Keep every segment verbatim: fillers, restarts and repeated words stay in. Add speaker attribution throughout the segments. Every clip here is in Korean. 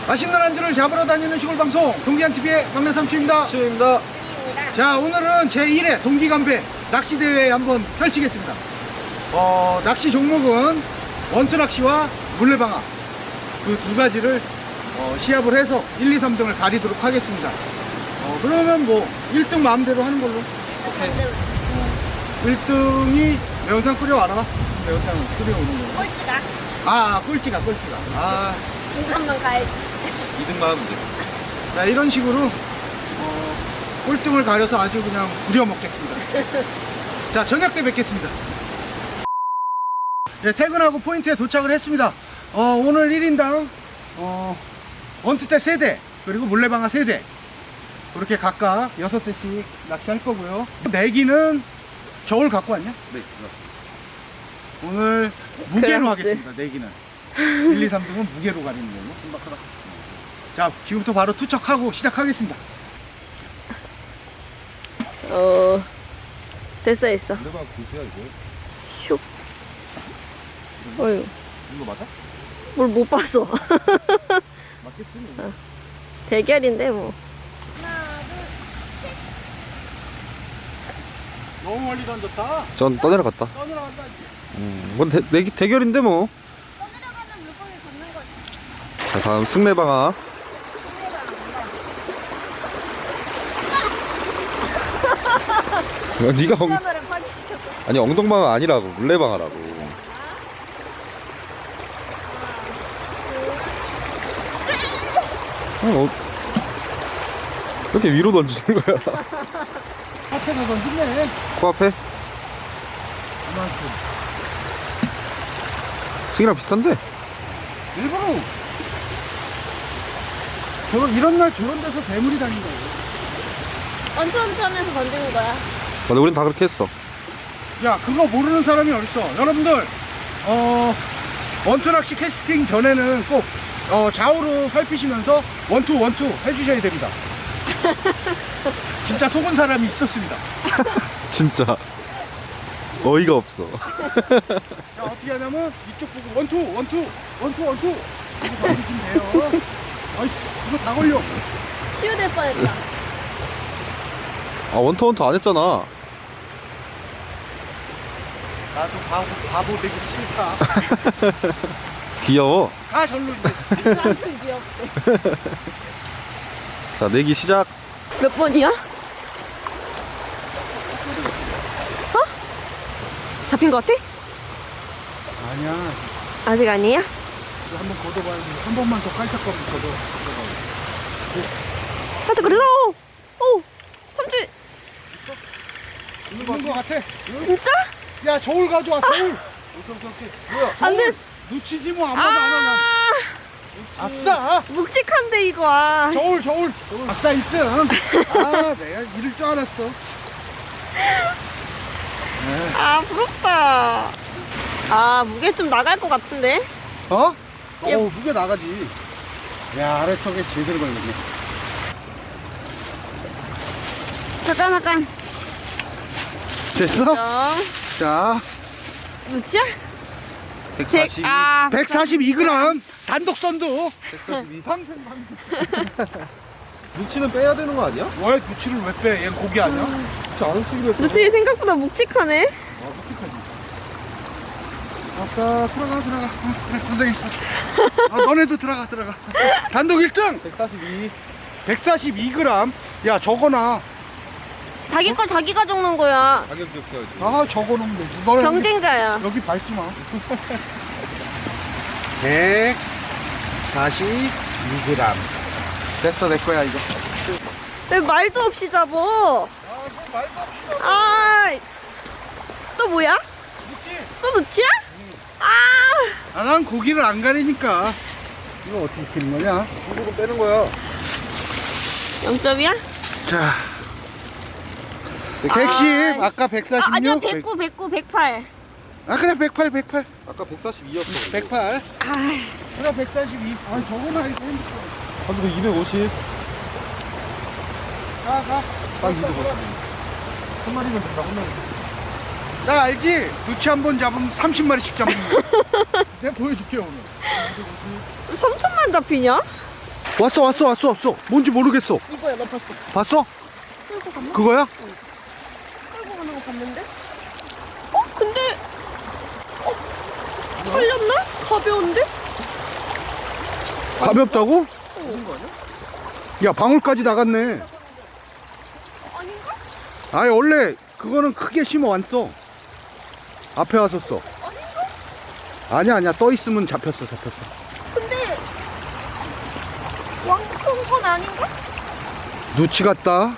Speaker 1: 맛있는 안주를 잡으러 다니는 시골 방송 동기한티비의 막내 삼촌입니다.
Speaker 2: 시입니다.
Speaker 1: 자, 오늘은 제일 회 동기간배 낚시대회 한번 펼치겠습니다. 어, 낚시 종목은 원투 낚시와 물레방아 그 두 가지를 어, 시합을 해서 일, 이, 삼 등을 가리도록 하겠습니다. 어, 그러면 뭐 일 등 마음대로 하는 걸로. 오케이. 어, 일 등이 매운탕 끓여와라. 매운탕 끓여오는 걸로.
Speaker 3: 꼴찌가
Speaker 1: 아, 꼴찌가 꼴찌가. 아,
Speaker 3: 중간만 가야지.
Speaker 2: 이 등만 하면 돼.
Speaker 1: 자, 이런 식으로 어, 꼴등을 가려서 아주 그냥 부려먹겠습니다. 자, 저녁 때 뵙겠습니다. 네, 퇴근하고 포인트에 도착을 했습니다. 어, 오늘 일 인당 어, 원투대 세 대 그리고 물레방아 세 대 그렇게 각각 여섯 대씩 낚시할 거고요. 내기는 저울 갖고 왔냐?
Speaker 2: 네.
Speaker 1: 오늘 무게로
Speaker 3: 그라스.
Speaker 1: 하겠습니다. 내기는 일, 이, 삼 등은 무게로 가리는 걸로. 신박하다. 자, 지금부터 바로 투척하고 시작하겠습니다.
Speaker 3: 어, 됐어, 됐어.
Speaker 2: 물레방아 굴세야 이거.
Speaker 3: 슉. 어휴,
Speaker 2: 이거 맞아?
Speaker 3: 뭘 못 봤어.
Speaker 2: 맞겠지. 뭐.
Speaker 3: 대결인데, 뭐.
Speaker 1: 너무 멀리 던졌다.
Speaker 2: 전 떠내려갔다.
Speaker 1: 떠내려간다.
Speaker 2: 음, 이건 대, 내, 대결인데 뭐.
Speaker 3: 떠내려가는 물건을 잡는 거지.
Speaker 2: 자, 다음 승례방아. 야, 네가 엉,
Speaker 3: 카메라를 파괴시켰어.
Speaker 2: 아니 엉덩방아 아니라고 물레방아라고. 아니, 어, 이렇게 위로 던지는 거야?
Speaker 1: 앞에가 던지네.
Speaker 2: 코앞에?
Speaker 1: 이만큼.
Speaker 2: 승이랑 비슷한데?
Speaker 1: 일부러. 저런 이런 날 저런 데서 대물이 다닌다고.
Speaker 3: 언짢언쩌 하면서 던지는 거야.
Speaker 2: 근데 우린 다 그렇게 했어.
Speaker 1: 야, 그거 모르는 사람이 어딨어. 여러분들, 어, 원투 낚시 캐스팅 전에는 꼭 어, 좌우로 살피시면서 원투 원투 해주셔야 됩니다. 진짜 속은 사람이 있었습니다.
Speaker 2: 진짜 어이가 없어.
Speaker 1: 자, 어떻게 하냐면 이쪽 보고 원투 원투 원투 원투 이거 던지시면 돼요. 아이씨, 이거 다 걸려.
Speaker 3: 치유될 뻔했다.
Speaker 2: 아 원투 원투 안 했잖아.
Speaker 1: 나도 바보, 바보 되기 싫다.
Speaker 2: 귀여워.
Speaker 1: 가 절로 이제.
Speaker 3: 완전 귀엽대.
Speaker 2: 자 내기 시작.
Speaker 3: 몇 번이야? 어? 잡힌 거 같아?
Speaker 1: 아니야.
Speaker 3: 아직 아니야?
Speaker 1: 이거 한번 걷어봐야지. 한 번만 더 깔짝거리고 걷어.
Speaker 3: 하여튼 그래서 오! 삼촌
Speaker 1: 있는 거 같아.
Speaker 3: 진짜?
Speaker 1: 야, 저울 가져와, 저울. 오케이, 오케이. 뭐야?
Speaker 3: 안 돼.
Speaker 1: 놓치지 뭐, 안 봐도 안 하냐.
Speaker 3: 아
Speaker 1: 아싸!
Speaker 3: 묵직한데 이거 아.
Speaker 1: 저울, 저울. 아싸, 일 등. 아, 내가 이럴 줄 알았어.
Speaker 3: 아 부럽다. 아 무게 좀 나갈 것 같은데?
Speaker 1: 어?
Speaker 3: 예.
Speaker 1: 어, 무게 나가지. 야, 아래턱에 제대로 걸렸네.
Speaker 3: 잠깐 잠깐.
Speaker 1: 됐어?
Speaker 3: 점.
Speaker 1: 자,
Speaker 3: 무치야?
Speaker 2: 백사십.
Speaker 3: 아
Speaker 1: 백사십이 그램. 단독 선두.
Speaker 2: 백사십이.
Speaker 1: 방생, 방생.
Speaker 2: 눈치는 빼야 되는 거 아니야?
Speaker 1: 왜 누치를 왜 빼? 얘는 고기 아니야?
Speaker 2: 진짜 안 움직이려 했어.
Speaker 3: 무치 생각보다 묵직하네.
Speaker 1: 아, 묵직하지. 아까 들어가, 들어가. 어, 그래, 고생했어. 아, 너네도 들어가, 들어가. 단독 일 등.
Speaker 2: 백사십이.
Speaker 1: 백사십이 그램. 야, 저거나.
Speaker 3: 자기 거 자기가 적는 거야.
Speaker 2: 가격 기억해야지.
Speaker 1: 아, 저거는 되지. 너네
Speaker 3: 경쟁자야.
Speaker 1: 여기, 여기 밟지 마. 백사십이 그램. 됐어, 내 거야, 이거.
Speaker 3: 왜 말도 없이 잡어?
Speaker 1: 아, 너 말도 없이 너.
Speaker 3: 아, 또 뭐야?
Speaker 1: 묻지?
Speaker 3: 또 무치야? 아,
Speaker 1: 아, 난 고기를 안 가리니까. 이거 어떻게 키는 거냐?
Speaker 2: 중국은 빼는 거야.
Speaker 3: 영 점이야?
Speaker 1: 자. 백십,
Speaker 3: 아,
Speaker 1: 아까
Speaker 3: 아,
Speaker 1: 백사십육.
Speaker 3: 아니야, 백구, 백구, 백팔.
Speaker 1: 아, 그래, 백팔, 백팔.
Speaker 2: 아까 백사십이였어.
Speaker 1: 백팔.
Speaker 3: 아,
Speaker 1: 그래, 백사십이. 아, 저거나 이거 핸드폰.
Speaker 2: 가지고 이백오십.
Speaker 1: 가, 가.
Speaker 2: 딱 이백오십.
Speaker 1: 한 마리면 된다, 한 마리. 나 알지? 누치 한 번 잡으면 삼십 마리씩 잡는 거. 내가 보여줄게, 오늘.
Speaker 3: 삼천만 잡히냐?
Speaker 1: 왔어 왔어 왔어 왔어. 뭔지 모르겠어.
Speaker 3: 이거야, 나 봤어.
Speaker 1: 봤어?
Speaker 3: 끌고 갔나?
Speaker 1: 그거야?
Speaker 3: 끌고 가는 거 봤는데? 어? 근데 어? 털렸나? 가벼운데?
Speaker 1: 가볍다고?
Speaker 3: 어.
Speaker 1: 야 방울까지 나갔네.
Speaker 3: 아닌가?
Speaker 1: 아니 원래 그거는 크게 심어 왔어. 앞에 왔었어.
Speaker 3: 아닌가?
Speaker 1: 아니야 아니야 떠 있으면 잡혔어 잡혔어.
Speaker 3: 근데 왕큰 건 아닌가?
Speaker 1: 누치 같다.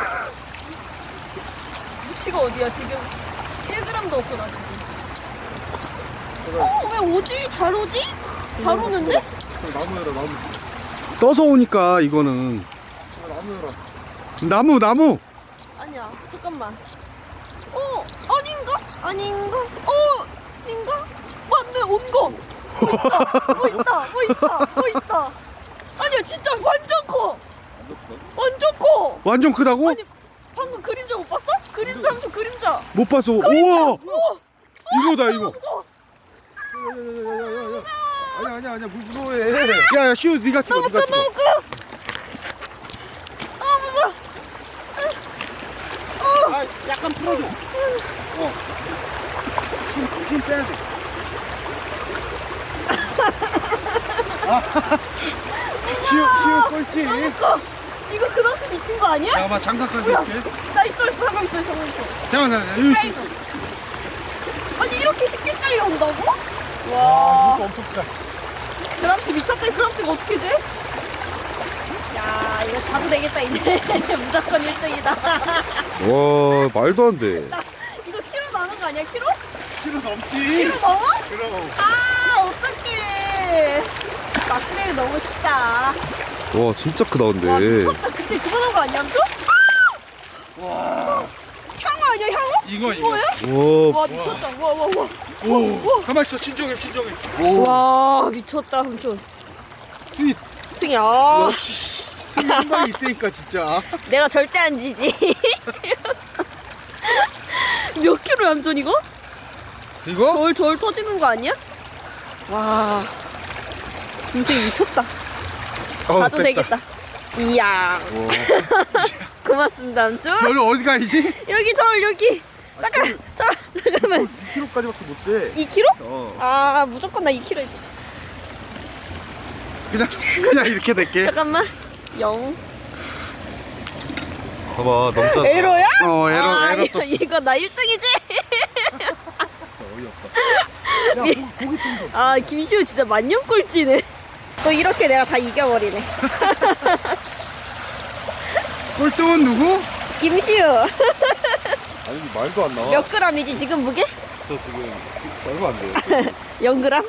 Speaker 3: 무치가 어디야 지금? 일 그램도 없어 나 지금. 어? 왜 오지? 잘 오지? 잘 오는데?
Speaker 2: 나무 열어 나무.
Speaker 1: 떠서 오니까 이거는
Speaker 2: 나무 열어.
Speaker 1: 나무 나무.
Speaker 3: 아니야 잠깐만. 어? 아닌가? 아닌가? 어? 아닌가? 맞네 온 거. 뭐 있다 뭐 있다 뭐 있다 뭐 있다. 아니야 진짜 완전 커. 완전 커.
Speaker 1: 완전 크다고?
Speaker 3: 아니 방금 그림자 못 봤어? 그림자 함수 그림자.
Speaker 1: 못 봤어. 우와
Speaker 3: 우와.
Speaker 1: 이거다 이거.
Speaker 3: 무서워.
Speaker 2: 아니야 아니야 아니야 물 무서워해.
Speaker 1: 야야 시우 네가 찍어
Speaker 3: 너무
Speaker 1: 네가
Speaker 3: 커
Speaker 1: 찍어.
Speaker 3: 너무 커. 아 무서워.
Speaker 1: 아 약간 풀어줘. 어. 힘, 힘 빼야 돼. 아, 시우 시우 꼴찌.
Speaker 3: 너무 커. 이거 그렇게 미친 거 아니야?
Speaker 1: 잠깐만 장갑까지
Speaker 3: 뭐야?
Speaker 1: 할게.
Speaker 3: 나 있어 있어 잠깐 있어 잠깐 있어.
Speaker 1: 잠깐만 잠깐만.
Speaker 3: 아이고. 아니 이렇게 쉽게 깔려온다고?
Speaker 1: 와
Speaker 3: 와.
Speaker 1: 이거 엄청 크다.
Speaker 3: 그람스 미쳤다. 그람스가 어떻게 돼? 야 이거 자도 되겠다 이제. 무조건 일 등이다.
Speaker 2: 와 말도 안 돼.
Speaker 3: 이거 키로 나는 거 아니야 키로?
Speaker 1: 키로 넘지.
Speaker 3: 키로 넘어?
Speaker 1: 그럼.
Speaker 3: 아 어떡해. 막내를 너무 쉽다.
Speaker 2: 와 진짜 크다
Speaker 3: 와
Speaker 2: 근데.
Speaker 3: 미쳤다. 그때 그만한 거 아니야 또?
Speaker 1: 와
Speaker 3: 향어 아니야 향어?
Speaker 1: 이거 이거.
Speaker 3: 뭐야?
Speaker 2: 와
Speaker 3: 와 미쳤다. 와와와.
Speaker 1: 오 가만 있어 진정해 진정해. 오
Speaker 3: 와 미쳤다 삼촌.
Speaker 1: 승희
Speaker 3: 승희 아
Speaker 1: 역시 승희 한 방이 있으니까 진짜.
Speaker 3: 내가 절대 안 지지. 몇 킬로야 삼촌 이거?
Speaker 1: 이거?
Speaker 3: 저울 저울 터지는 거 아니야? 와 김승희 미쳤다.
Speaker 1: 어,
Speaker 3: 가도
Speaker 1: 뺐다.
Speaker 3: 되겠다. 이야 고맙습니다 삼촌.
Speaker 1: 저를 어디 가야지?
Speaker 3: 여기 저울 여기. 잠깐 저 잠깐만.
Speaker 2: 이 킬로까지밖에 못 재.
Speaker 3: 이 킬로?
Speaker 2: 어.
Speaker 3: 아 무조건 나 이 킬로 했지.
Speaker 1: 그냥 그냥 이렇게 될게.
Speaker 3: 잠깐만 영.
Speaker 2: 봐봐 넘잖아.
Speaker 3: 에로야?
Speaker 1: 어 에러
Speaker 3: 아,
Speaker 1: 에러
Speaker 3: 이거,
Speaker 1: 떴어.
Speaker 3: 이거 나 일 등이지?
Speaker 2: 어이없다.
Speaker 1: 야 고- 고기 좀 더.
Speaker 3: 아 김시우 진짜 만년 꼴찌네. 또 이렇게 내가 다 이겨버리네.
Speaker 1: 꼴등은 누구?
Speaker 3: 김시우
Speaker 2: 아니 말도 안 나와.
Speaker 3: 몇 그램이지 지금 무게?
Speaker 2: 저 지금 말도 안 돼.
Speaker 3: 영 그램?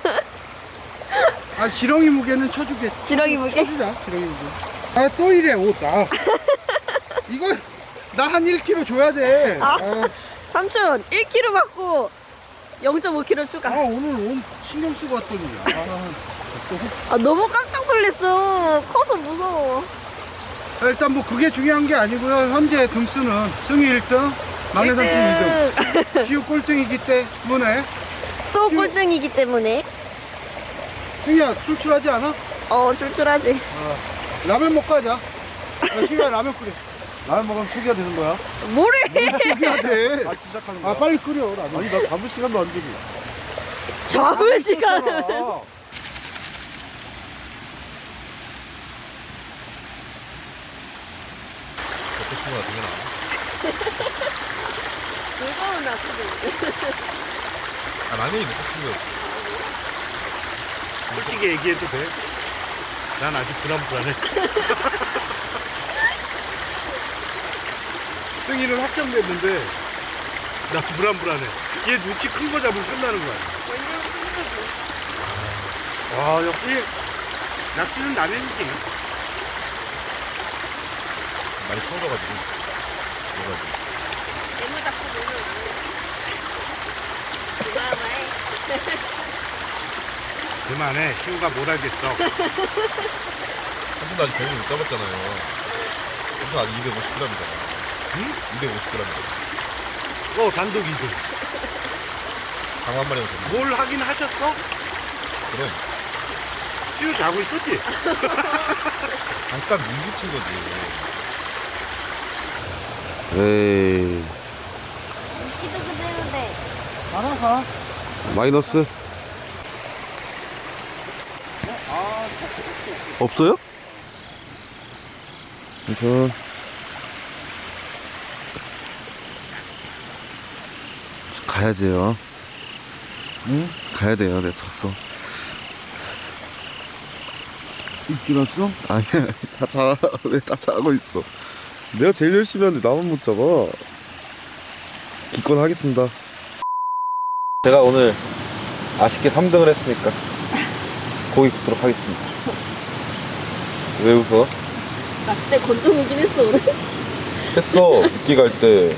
Speaker 1: 아 지렁이 무게는 쳐주게.
Speaker 3: 지렁이 무게?
Speaker 1: 쳐주자 지렁이 무게. 아 또 이래 옷 나. 이거 나 한 일 킬로그램 줘야 돼.
Speaker 3: 아.
Speaker 1: 아,
Speaker 3: 삼촌 일 킬로그램 받고 영 점 오 킬로그램 추가.
Speaker 1: 아 오늘 옷 신경 쓰고 왔더니. 아,
Speaker 3: 아 너무 깜짝 놀랐어. 커서 무서워.
Speaker 1: 아, 일단 뭐 그게 중요한 게 아니고요. 현재 등수는 승희 일 등, 막내 삼촌 이 등, 시우 꼴등이기 때문에.
Speaker 3: 또 꼴등이기 때문에
Speaker 1: 승희야 출출하지 않아?
Speaker 3: 어 출출하지.
Speaker 1: 라면 먹고 하자. 야, 승희야 라면 끓여.
Speaker 2: 라면 먹으면 초기화 되는 거야?
Speaker 3: 뭐래?
Speaker 1: 끓여야 돼.
Speaker 2: 같이 시작하는 거야?
Speaker 1: 아 빨리 끓여 라면.
Speaker 2: 아니 나 잡을 시간도 안 주고.
Speaker 3: 잡을 시간을.
Speaker 2: 아,
Speaker 3: 무거운 나트도.
Speaker 4: 아, 라면이 먹고 싶은 거였어.
Speaker 5: 솔직히 얘기해도 돼? 난 아직 불안불안해. 승희는 확정됐는데 나 불안불안해. 얘 눈치 큰 거 잡으면 끝나는 거야. 와 역시 낚시는 라면이지.
Speaker 4: 많이 터져가지고. 그래가지고.
Speaker 3: 애물 잡고 놀면 그만해.
Speaker 5: 그만해. 시우가 뭘 알겠어.
Speaker 4: 삼촌도 아직 배를 못 잡았잖아요. 삼촌 아직 이백오십 그램이잖아.
Speaker 5: 응?
Speaker 4: 이백오십 그램이잖아.
Speaker 5: 어 단독 이 등.
Speaker 4: 강한 마리면 됩니다.
Speaker 5: 뭘 하긴 하셨어?
Speaker 4: 그럼.
Speaker 5: 시우 자고 있었지?
Speaker 4: 잠깐 물 붙인 거지.
Speaker 2: 에이
Speaker 3: 기도 그대로인데.
Speaker 1: 나가가.
Speaker 2: 마이너스 없어요? 그래서 가야지요.
Speaker 1: 응?
Speaker 2: 가야 돼요. 내가 졌어.
Speaker 1: 입질었어?
Speaker 2: 아니야, 다 자, 왜 다 자고 있어? 내가 제일 열심히 하는데 나만 못 잡아. 기권하겠습니다. 제가 오늘 아쉽게 삼 등을 했으니까 고기 굽도록 하겠습니다. 왜 웃어?
Speaker 3: 낚싯대 건져보긴 했어 오늘.
Speaker 2: 했어. 미끼 갈 때.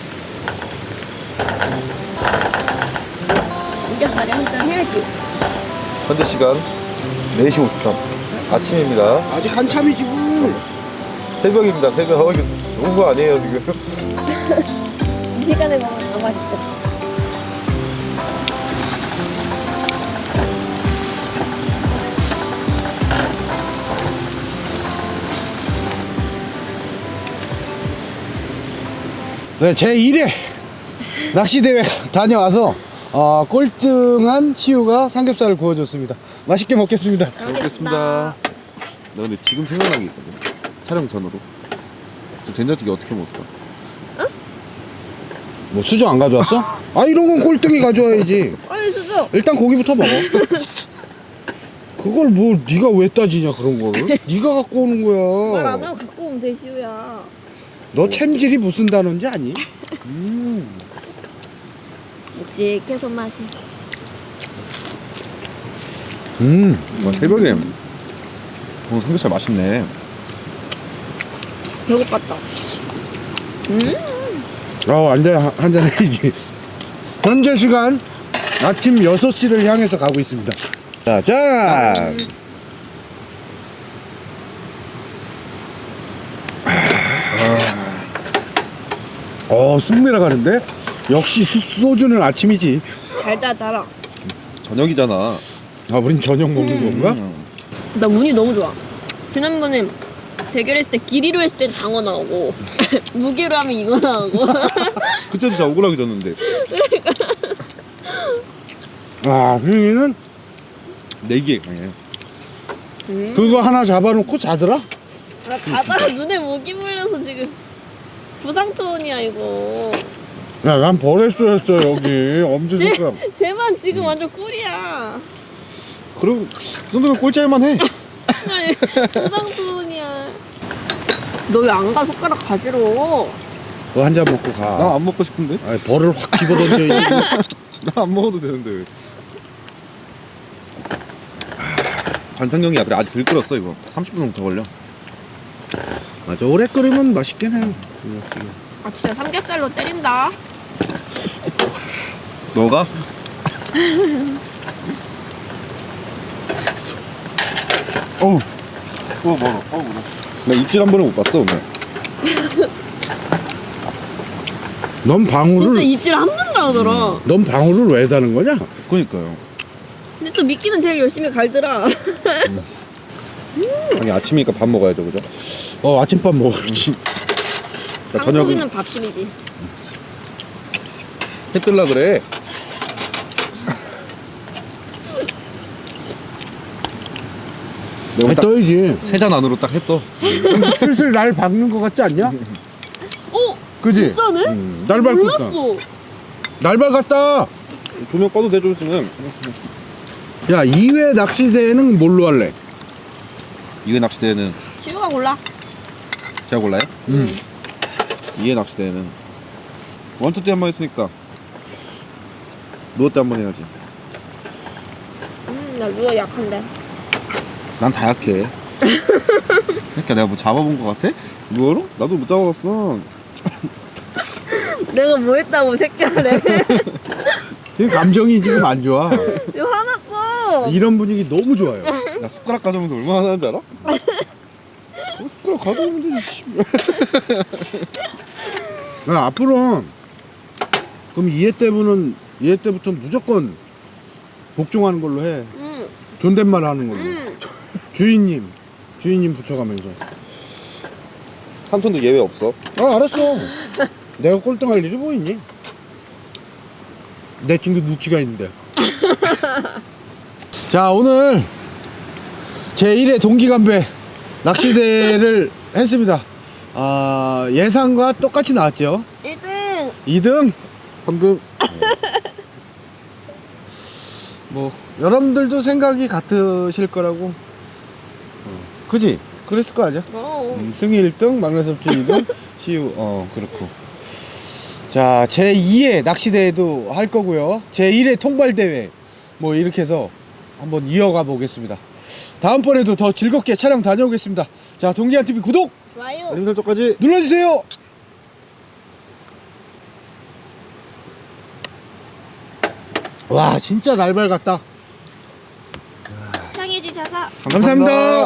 Speaker 3: 삼겹살에 한잔 해야지.
Speaker 2: 현재 시간 네 시 오십삼 아침입니다.
Speaker 1: 아직 한참이지 뭘.
Speaker 2: 새벽입니다. 새벽. 어, 이거 농구 아니에요 지금.
Speaker 3: 이 시간에 먹으면 더 맛있어.
Speaker 1: 네, 제일 회 낚시대회 다녀와서 어, 꼴등한 시우가 삼겹살을 구워줬습니다. 맛있게 먹겠습니다.
Speaker 2: 잘 먹겠습니다. 나 근데 지금 생각난 게 있거든. 촬영 전으로. 저 된장찌개 어떻게 먹을까?
Speaker 1: 뭐 수저 안 가져왔어? 아 이런 건 꼴등이 가져와야지.
Speaker 3: 아니 수저.
Speaker 1: 일단 고기부터 먹어. 그걸 뭐 네가 왜 따지냐 그런 거를? 네가 갖고 오는
Speaker 3: 말 안
Speaker 1: 거야.
Speaker 3: 하고 갖고 오면 돼 시우야.
Speaker 1: 너 챔질이 무슨 단어인지 아니? 음.
Speaker 3: 묵직해 손맛이.
Speaker 1: 음.
Speaker 2: 와, 새벽에 오늘 삼겹살 맛있네.
Speaker 3: 배고팠다. 음.
Speaker 1: 아 안돼 한잔 해야지. 현재 시간 아침 여섯 시를 향해서 가고 있습니다. 자, 짠! 어, 쑥 내려가는데? 역시 수, 소주는 아침이지.
Speaker 3: 달다 달아.
Speaker 2: 저녁이잖아.
Speaker 1: 아, 우린 저녁 먹는 건가?
Speaker 2: 음.
Speaker 3: 나 운이 너무 좋아. 지난번에 대결했을 때 길이로 했을 땐 장어 나오고 무게로 하면 이거 나오고.
Speaker 2: 그때도 진짜 억울하게 졌는데.
Speaker 1: 아, 휘이는
Speaker 2: 내기에 강해.
Speaker 3: 음.
Speaker 1: 그거 하나 잡아놓고 자더라?
Speaker 3: 나 자다가 눈에 모기 물려서 지금 부상 초원이야 이거.
Speaker 1: 야, 난 버레스였어, 여기. 엄지손가락.
Speaker 3: 쟤만 지금 완전 꿀이야.
Speaker 2: 그럼 그 정도면 꼴찌할만 해.
Speaker 3: 아니, 부상 초원이야. 너 왜 안 가? 손가락 가지러.
Speaker 1: 그거 한 잔 먹고 가.
Speaker 2: 나 안 먹고 싶은데.
Speaker 1: 아니, 벌을 확 집어던져.
Speaker 2: 나 안 먹어도 되는데 왜. 관상경이야. 그래 아직 덜 끓였어 이거. 삼십 분 정도 더 걸려.
Speaker 1: 맞아, 오래 끓이면 맛있긴 해.
Speaker 3: 아 진짜 삼겹살로 때린다.
Speaker 2: 너가? 어우. 어 멀어. 어우 멀어. 나 입질 한 번을 못 봤어 오늘.
Speaker 1: 넌 방울을,
Speaker 3: 진짜 입질 한 번도 안 하더라.
Speaker 1: 넌 방울을 왜 다는 거냐?
Speaker 2: 그러니까요.
Speaker 3: 근데 또 미끼는 제일 열심히 갈더라.
Speaker 2: 아니 아침이니까 밥 먹어야죠 그죠?
Speaker 1: 어, 아침밥 먹어야지.
Speaker 2: 나 저녁은
Speaker 3: 한국인은 밥심이지.
Speaker 2: 해 뜰라 그래.
Speaker 1: 해 떠야지.
Speaker 2: 세잔 안으로 딱 해 떠.
Speaker 1: 슬슬 날 박는 거 같지 않냐?
Speaker 3: 어?
Speaker 1: 그지?
Speaker 3: 진짜네?
Speaker 2: 음.
Speaker 1: 날 밟고 있다.
Speaker 3: 몰랐어.
Speaker 1: 날 밟았다.
Speaker 2: 조명 꺼도 돼 좀 있으면.
Speaker 1: 야, 이 회 낚시대회는 뭘로 할래?
Speaker 2: 이회 낚시대회는
Speaker 3: 시우가 골라.
Speaker 2: 제가 골라요?
Speaker 1: 음.
Speaker 2: 이회 낚시대회는 원투 때 한 번 했으니까 루어 때 한 번 해야지.
Speaker 3: 음, 나 루어 약한데.
Speaker 2: 난 다 약해. 새끼야 내가 뭐 잡아본 거 같아? 루어로? 나도 못 잡아봤어.
Speaker 3: 내가 뭐 했다고 새끼하래.
Speaker 1: 지금 감정이 지금 안 좋아.
Speaker 3: 이거 화났어.
Speaker 1: 이런 분위기 너무 좋아요.
Speaker 2: 나 숟가락 가져오면서 얼마나 하는지 알아? 어, 숟가락 가져오면 되지. 씨.
Speaker 1: 야, 앞으로 그럼 이 회 때부는 이 회 때부터 무조건 복종하는 걸로 해.
Speaker 3: 응,
Speaker 1: 존댓말 하는 걸로.
Speaker 3: 응.
Speaker 1: 주인님, 주인님 붙여가면서.
Speaker 2: 삼 톤도 예외 없어.
Speaker 5: 아 알았어. 내가 꼴등할 일이 뭐 있니? 내 친구 누치가 있는데.
Speaker 1: 자, 오늘 제일 회 동기간배 낚시대회를 했습니다. 아, 예상과 똑같이 나왔죠.
Speaker 3: 일 등.
Speaker 1: 이 등.
Speaker 2: 삼 등.
Speaker 1: 뭐 여러분들도 생각이 같으실 거라고. 어, 그지? 그랬을 거 아니야?
Speaker 3: 어.
Speaker 1: 음, 승희 일 등, 막내 삼촌 이 등, 시우 어 그렇고. 자, 제이 회 낚시대회도 할 거고요. 제일 회 통발대회 뭐 이렇게 해서 한번 이어가 보겠습니다. 다음번에도 더 즐겁게 촬영 다녀오겠습니다. 자, 동기한티비 구독
Speaker 3: 좋아요.
Speaker 2: 알림 설정까지.
Speaker 1: 눌러주세요. 와, 진짜 날 밝았다.
Speaker 3: 시청해주셔서
Speaker 1: 감사합니다.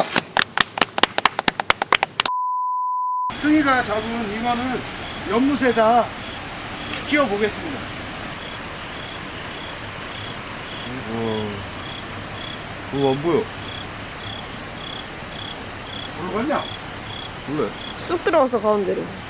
Speaker 1: 승희가 잡은 잉어는 연못에다 키워보겠습니다.
Speaker 2: 그거 안 보여.
Speaker 1: 어디로 갔냐?
Speaker 2: 몰래.
Speaker 3: 쑥 들어가서 가운데로.